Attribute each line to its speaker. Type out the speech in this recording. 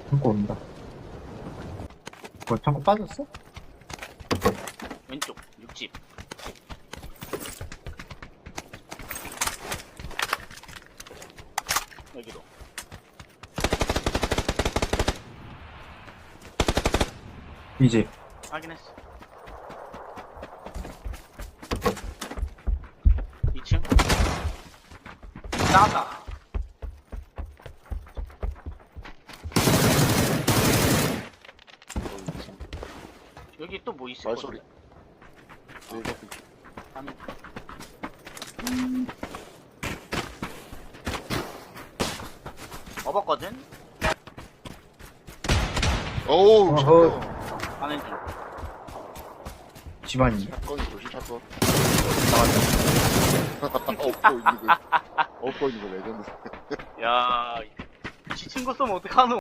Speaker 1: 창고 온다. 뭐 창고 빠졌어?
Speaker 2: 왼쪽 6집. 여기로.
Speaker 1: 이제
Speaker 2: 확인했어. 2층. 나왔다. 여기 또 뭐 있을
Speaker 3: 말소리.
Speaker 2: 거야?
Speaker 3: 네, 여기.
Speaker 2: 아니. 업었거든?
Speaker 3: 어우,
Speaker 1: 어허.
Speaker 3: 사건.
Speaker 2: 가는 중.
Speaker 1: 집안이
Speaker 3: 사건이 조심 사건.
Speaker 1: 나왔다.
Speaker 3: 업고 있는 거. 업고 있는 거 레전드.
Speaker 2: 야, 지 친구 쏘면 어떡하노?